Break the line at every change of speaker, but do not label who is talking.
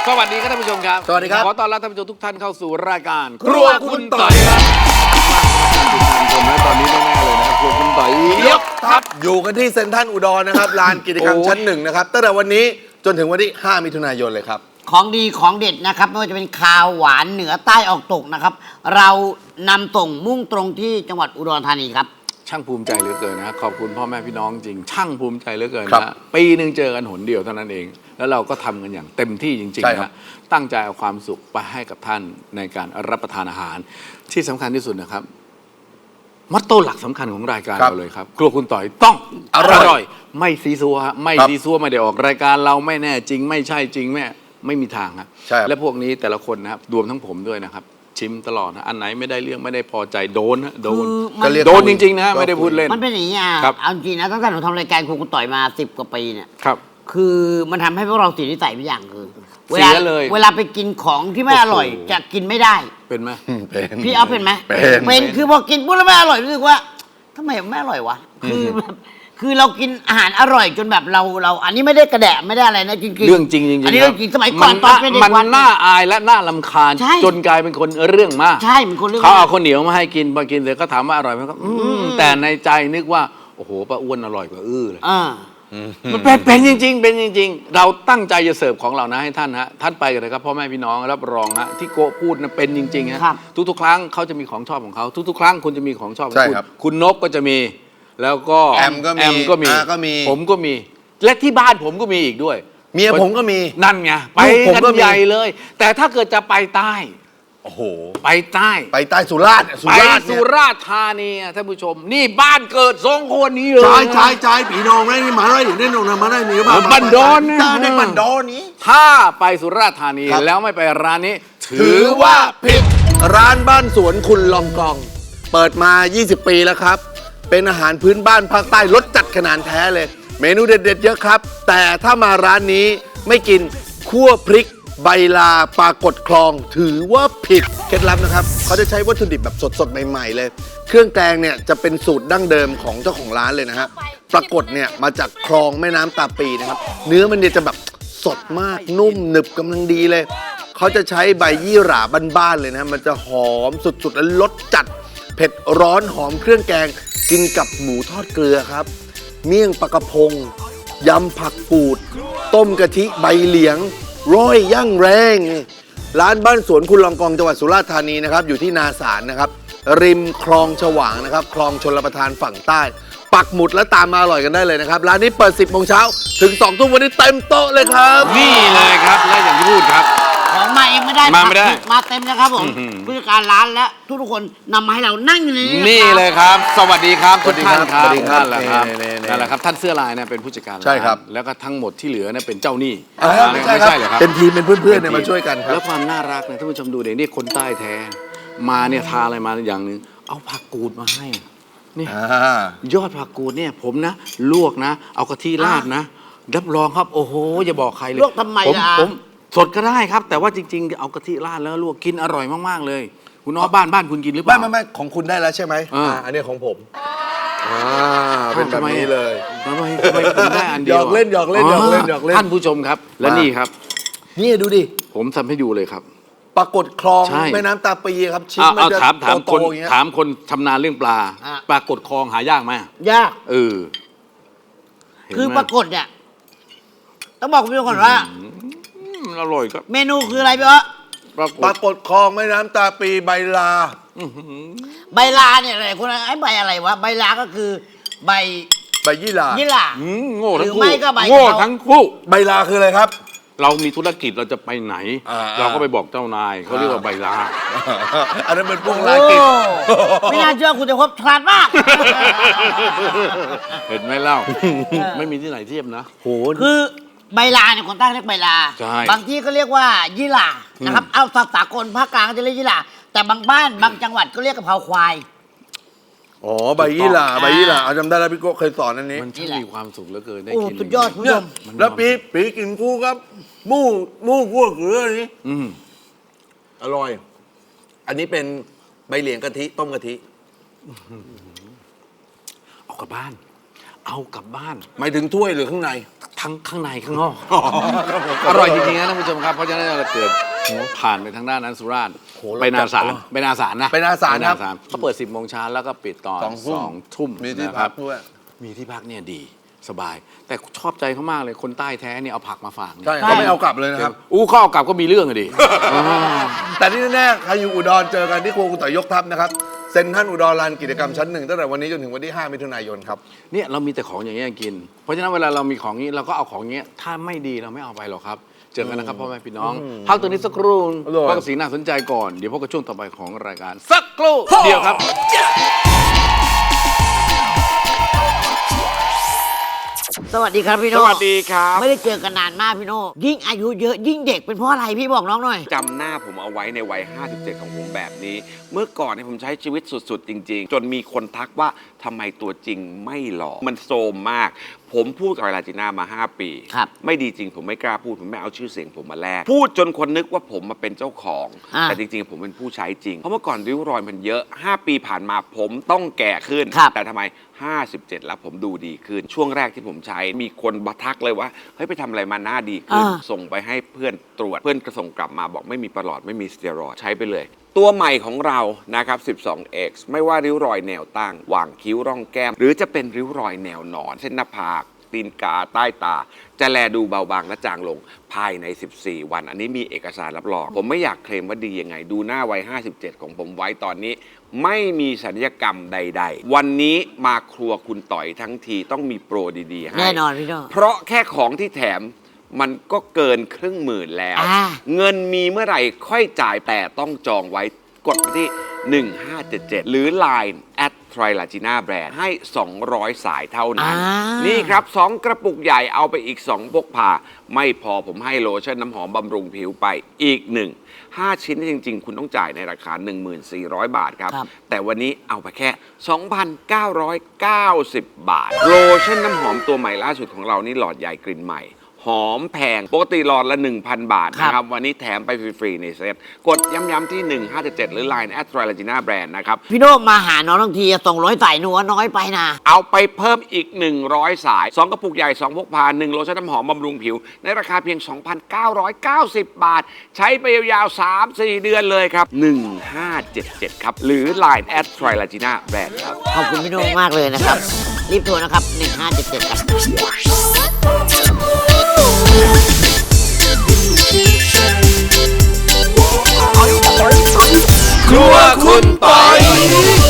สวัสดีครับท่านผู้ชมครับ
สวัสดีครับ
ขอต้อนรับท่านผู้ชมทุกท่านเข้าสู่รายการ
ครัวคุณต่อยครับ
ชมและตอนนี้แน่ๆเลยนะครับครัวคุณต่อยยกทัพ
อยู่กันที่เซ็นทรัลอุดรนะครับ ลานกิจกรรมชั้นหนึ่งนะครับตั้งแต่วันนี้จนถึงวันที่ 5 มิถุนายนเลยครับ
ของดีของเด็ดนะครับไม่ว่าจะเป็นคาวหวานเหนือใต้ออกตกนะครับ เรานำส่งมุ่งตรงที่จังหวัดอุดรธานีครับ
ช่างภูมิใจเหลือเกินนะขอบคุณพ่อแม่พี่น้องจริง ช่างภูมิใจเหลือเกิน
ครับ
นะปีหนึ่งเจอกันหนเดียวเท่านั้นเอง แล้วเราก็ทำกันอย่างเต็มที่จริง
ใช่
ๆ
ครับ
นะตั้งใจเอาความสุขไปให้กับท่านในการรับประทานอาหาร ที่สำคัญที่สุดนะครับมอตโต้หลักสำคัญของรายการเราเลยครับครัวคุณต่อยต้องอร่อย ไม่ซีซัวฮะไม่ซีซัวไม่ได้ออกรายการเราไม่แน่จริง ไม่ใช่จริงไม่มีทางครับ
ใช่ครับ
และพวกนี้แต่ละคนนะครับรวมทั้งผมด้วยนะครับ ชิมตลอดนะอันไหนไม่ได้เรื่องไม่ได้พอใจโดนนะโดน
คือมัน
โดนจริงๆนะไม่ได้พูดเล่น
มันเป็นอย่างนี้อ่ะ
ครับ
เอาจริงนะตั้งแต่หนูทำรายการครูคุณต่อยมา10 กว่าปีเนี่ย
ครับ
คือมันทำให้พวกเราเสียนิสัยไปอย่างคือ
เสียเลย
เวลาไปกินของที่ไม่อร่อย
โอ้โห
จะกินไม่ได้
เป็นไหม
เป็น
พี่เอาเป็นไหม
เป็น
คือพอกินปุ๊บแล้วไม่อร่อยรู้สึกว่าทำไมไม่อร่อยวะคือแบบคือเรากินอาหารอร่อยจนแบบเราอันนี้ไม่ได้กระแดะไม่ได้อะไรนะจริงๆ
เรื่องจริงจริงๆ
อันนี้เรื่องจริงสมัยก่อน
มัน
เป็นเด็ก
มัน
วัด
น่าอายและน่าลำคาญ
ใช่
จนกลายเป็นคนเรื่องมาก
ใช่มันคนเรื่อง
เขาเอา
มาก
ข้าวเหนียวมาให้กินพอกินเสร็จก็ถามว่าอร่อยไหมก็แต่ในใจนึกว่าโอ้โหป้าอ้วนอร่อยกว่าเลย มันเป็นจริงๆเป็นจริง ๆ เราตั้งใจจะเสิร์ฟของเรานะให้ท่านฮะท่านไปกันเลยครับพ่อแม่พี่น้องรับรองฮะที่โกพูดนะเป็นจริงๆฮะ
ครับ
ทุกๆ ครั้งเขาจะมีของชอบของเขาทุกๆ ครั้งคุณจะมีของชอบของ
ใช่
คุณ
ครับ
คุณนกก็จะมี แล้วก็
แอมก็มี
ก็มี
ก็มี
ผมก็มี และที่บ้านผมก็มีอีกด้วย
เมียผมก็มี
นั่นไงไป
ลูกผม
กัน
ก็มี
ใหญ่เลย แต่ถ้าเกิดจะไปใต้
โอ้โห
ไปใต้
ไปใต้สุราษฎร์
ไปสุราษฎร์ธานีอะท่านผู้ชม นี่บ้านเกิดสองคนนี้เลย
ใช่ปีน้องได้นี่มาได้ถึงได้นองนะมาได้นี่ก็มา
บันดอนนะ
ได้บันดอนนี้
ถ้าไปสุราษฎร์ธานี
ครับ
แล้วไม่ไปร้านนี้
ถือว่าผิดร้านบ้านสวนคุณลองกอง เปิดมา 20 ปีแล้วครับ เป็นอาหารพื้นบ้านภาคใต้รสจัดขนาดแท้เลย เมนูเด็ดๆเยอะครับ แต่ถ้ามาร้านนี้ไม่กินคั่วพริก ใบลาปลากดคลอง ถือว่าผิดเคล็ดลับนะครับเขาจะใช้วัตถุดิบแบบสดๆใหม่ๆเลย เครื่องแกงเนี่ยจะเป็นสูตรดั้งเดิมของเจ้าของร้านเลยนะฮะปรากฏเนี่ยมาจากคลองแม่น้ำตาปีนะครับเนื้อมันเนี่ยจะแบบสดมากนุ่มหนึบกำลังดีเลย เขาจะใช้ใบยี่หร่าบ้านๆเลยนะมันจะหอมสุดๆและรสจัด เผ็ดร้อนหอมเครื่องแกงกินกับหมูทอดเกลือครับ เมี่ยงปลากระพงยำผักกูด ต้มกะทิใบเหลียงร้อยย่างแรง ร้านบ้านสวนคุณลองกองจังหวัดสุราษฎร์ธานีนะครับอยู่ที่นาสารนะครับ ริมคลองฉวางนะครับคลองชลประทานฝั่งใต้ ปักหมุดแล้วตามมาอร่อยกันได้เลยนะครับ ร้านนี้เปิด 10 โมงเช้าถึง 2 ทุ่มวันนี้เต็มโต๊ะเลยครับ
นี่เลยครับ และอย่างที่พูดครับ
ของมาเองไม่ได้
มาไม่ได้
มาเต็มนะครับผม
อื้อหือ
ผู้จัดการร้านและทุกๆคนนำมาให้เรานั่งอยู่ในนี้
นี่
ะครับ
เลยครับ สวัสดีครับ
สวั
ทุ
ส
ก
ดีค
ท่า
รั
น
บ
ครับ
สวัสดีครับ
นั่นแหละครับ
นี่ๆๆ
นั่นแหละครับท่านเสื้อลายเนี่ยเป็นผู้จัดการร้าน
ใช่ครับ
แล้วก็ทั้งหมดที่เหลือเนี่ยเป็นเจ้าหนี้
ไม่ใช่
ไม่
ครับ
ใช่เหรอครับ
เป็นทีมเป็นเพื่อนๆเนี่ยมาช่วยกันครั
แล้
บ
วความน่ารักเนี่ยท่านผู้ชมดูเด็กนี่คนใต้แท้ มาเนี่ยทาอะไรมาอย่างหนึ่งเอาผักกูดมาให้นี่ ยอดผักกูดเนี่ยผมนะ ลวกนะ เอากะทิราดนะ รับรองครับ โอ้โห อย่าบอกใครเลย
ลวกทำไมล่ะ
ผมสดก็ได้ครับ แต่ว่าจริง ๆ เอากะทิราดแล้วลวกกินอร่อยมากๆเลย คุณน้อบ้านคุณกินหรือเปล่า
ไม่ของคุณได้แล้วใช่ไหม
อั
นนี้ของผมเป็นแบบนี้เลย
ทำไมผมได้อันเดียว
หยอกเล่นหยอกเล่นหยอกเล่นหยอกเล่น
ท่านผู้ชมครับ และนี่ครับ
นี่ดูดิ
ผมทำให้ดูเลยครับ
ปรากฏคลอง
ใช่
แม่น้ำตาปีครับชิ้น
เอา
มันจะ
ถาม
โต
คน
ๆอย่างเงี้ย
ถามคนชำนาญเรื่องปลา
อ่ะ
ปลากดคลองหายากไหม
ยาก
เออเห็นไหม
คือปรากฏเนี่ยต้องบอกคุณผู้ชมก่อนว่า
มันอร่อยครับ
เมนูคืออะไรพี่อ๊ะ
ปราก
ป
ฏ
รากฏคลองแม่น้ำตาปีใบลา
ใบลาเนี่ยอะไรคุณไอ้ใบอะไรวะใบลาก็คือใบ
ใบยี่หร่า
ยี่หร่า
โง่ทั้ง
หรือ
คู่
ไม่ก็ใบ
โง่
กะเพรา
ทั้งคู่
ใบลาคืออะไรครับ
เรามีธุรกิจเราจะไปไหน
อ่า
เราก็ไปบอกเจ้านายเขาเรียกว่าใบลา
อันนั้นเป็นพวก
โอ้
ลากิจ
ไม่น่าเชื่อคุณจะพบฉลาดมาก
เห็นไหมเล่า ไม่มีที่ไหนเทียบนะ
โห
คือใบลาเนี่ยคนใต้เรียกใบลา
ใช่
บางที่ก็เรียกว่ายี่หร่านะครับ เอาภาษากลภาคกลางก็จะเรียกยี่หร่าแต่บางบ้านบางจังหวัดก็เรียกกะเพราควาย
อ๋อใบยี่หร่า
อ่า
ใบยี่หร่าเอาจำได้แล้วพี่โก้เคยสอนอันนี้
มันช่างมีความสุขเหลือเกินได้
โอ้
กิน
สุดยอดคุณผู้
เนี่
ช
ย
ม
แล้วปีกินคู่ครับหมู่คั่วเกลือนี่
อืม
อร่อย อันนี้เป็นใบเหลียงกะทิต้มกะทิ
เอากลับบ้าน เอากลับบ้าน
หมายถึงถ้วยหรือข้างใน
ทั้งข้างในข้างนอกอร่อยจริงๆนะท่านผู้ชมครับเพราะฉะนั้นเราเกิดผ่านไปทางด้านนั้นสุราษฎร์ไปนาสารนะ
ไปนาสารครับ
เขาเปิด 10 โมงเช้าแล้วก็ปิดตอน 2 ทุ่ม
มีที่
นะค
พั
รั
ก
บ
ด้วย
มีที่พักเนี่ยดีสบาย แต่ชอบใจเขามากเลยคนใต้แท้เนี่ยเอาผักมาฝากนะ
ใช่เขาไม่เอากลับเลยนะครับ
ข้อเอากลับก็มีเรื่องอะดิ
แต่ที่แน่ๆใครอยู่อุดรเจอกันที่ครัวคุณต่อยยกทัพนะครับเซ็นทรัลอุดรลานกิจกรรมชั้น 1ตั้งแต่วันนี้จนถึงวันที่ 5 มิถุนายนครับ
เนี่ยเรามีแต่ของอย่างเงี้ยกิน เพราะฉะนั้นเวลาเรามีของนี้เราก็เอาของเงี้ยถ้าไม่ดีเราไม่เอาไปหรอกครับ เจอกันนะครับพ่อแม่พี่น้องพักตัวนี้สักครู่
อร่อย
พบกับสิ่งน่าสนใจก่อนเดี๋ยวพบกับช่วงต่อไปของรายการสักครู่เดียวครับ
สวัสดีครับพี่โน่
สวัสดีครับ
ไม่ได้เจอกันนานมากพี่โน่ยิ่งอายุเยอะยิ่งเด็กเป็นเพราะอะไรพี่บอกน้องหน่อย
จำหน้าผมเอาไว้ในวัย 57 ของผมแบบนี้ เมื่อก่อนเนี่ยผมใช้ชีวิตสุดๆ จริง ๆ จนมีคนทักว่าทำไมตัวจริงไม่หล่อ มันโซมมาก ผมพูดกับลาจิน่ามา 5 ปี
ครับ
ไม่ดีจริงผมไม่กล้าพูด ผมไม่เอาชื่อเสียงผมมาแลกพูดจนคนนึกว่าผมมาเป็นเจ้าของ แต่จริงๆ ผมเป็นผู้ใช้จริง เพราะเมื่อก่อนริ้วรอยมันเยอะ 5 ปีผ่านมาผมต้องแก่ขึ้น
ครับ
แต่ทำไม 57 แล้วผมดูดีขึ้น ช่วงแรกที่ผมใช้มีคนมาทักเลยว่าเฮ้ยไปทำอะไรมาหน้าดีขึ้น ส่งไปให้เพื่อนตรวจเพื่อนก็ส่งกลับมาบอกไม่มีประหลอดไม่มีสเตียรอยด์ใช้ไปเลย ตัวใหม่ของเรานะครับ 12X ไม่ว่าริ้วรอยแนวตั้งหว่างคิ้วร่องแก้ม หรือจะเป็นริ้วรอยแนวนอน เส้นหน้าผากตีนกาใต้ตา จะแลดูเบาบางและจางลงภายใน 14 วัน อันนี้มีเอกสารรับรอง ผมไม่อยากเคลมว่าดียังไง ดูหน้าวัย 57 ของผมไว้ตอนนี้ ไม่มีศัลยกรรมใด ๆ วันนี้มาครัวคุณต่อยทั้งทีต้องมีโปรดีๆให้
แน่นอนพี่โน่
เพราะแค่ของที่แถมมันก็เกินครึ่งหมื่นแล้ว เงินมีเมื่อไหร่ค่อยจ่ายแต่ต้องจองไว้กดไปที่ 1577 หรือ Line @trilagina brand ให้ 200 สายเท่านั้น นี่ครับ 2 กระปุกใหญ่เอาไปอีก 2 พกพา ไม่พอผมให้โลชั่นน้ำหอมบำรุงผิวไปอีก 5 ชิ้นจริง ๆ คุณต้องจ่ายในราคา 1,400 บาทครับ แต่วันนี้เอาไปแค่ 2,990 บาท โลชั่นน้ำหอมตัวใหม่ล่าสุดของเรานี่หลอดใหญ่กลิ่นใหม่หอมแพงปกติหลอดละ 1,000 บาทนะครับวันนี้แถมไปฟรีๆในเซตกดย้ำๆที่ 1577 หรือ Line @trilagina brand นะครับ
พี่โน่มาหาน้องทั้งที200สายหนูว่าน้อยไปนะ
เอาไปเพิ่มอีก 100 สาย 2 กระปุกใหญ่ 2 พกพา 1 โลชั่นน้ำหอมบำรุงผิว ในราคาเพียง 2,990 บาท ใช้ไปยาวๆ 3-4 เดือนเลยครับ 1577 ครับ หรือ Line @trilagina brand ครับ
ขอบคุณพี่โน่มากเลยนะครับ รีบโทรนะครับ 1577ครับ
ครัวคุณต่อย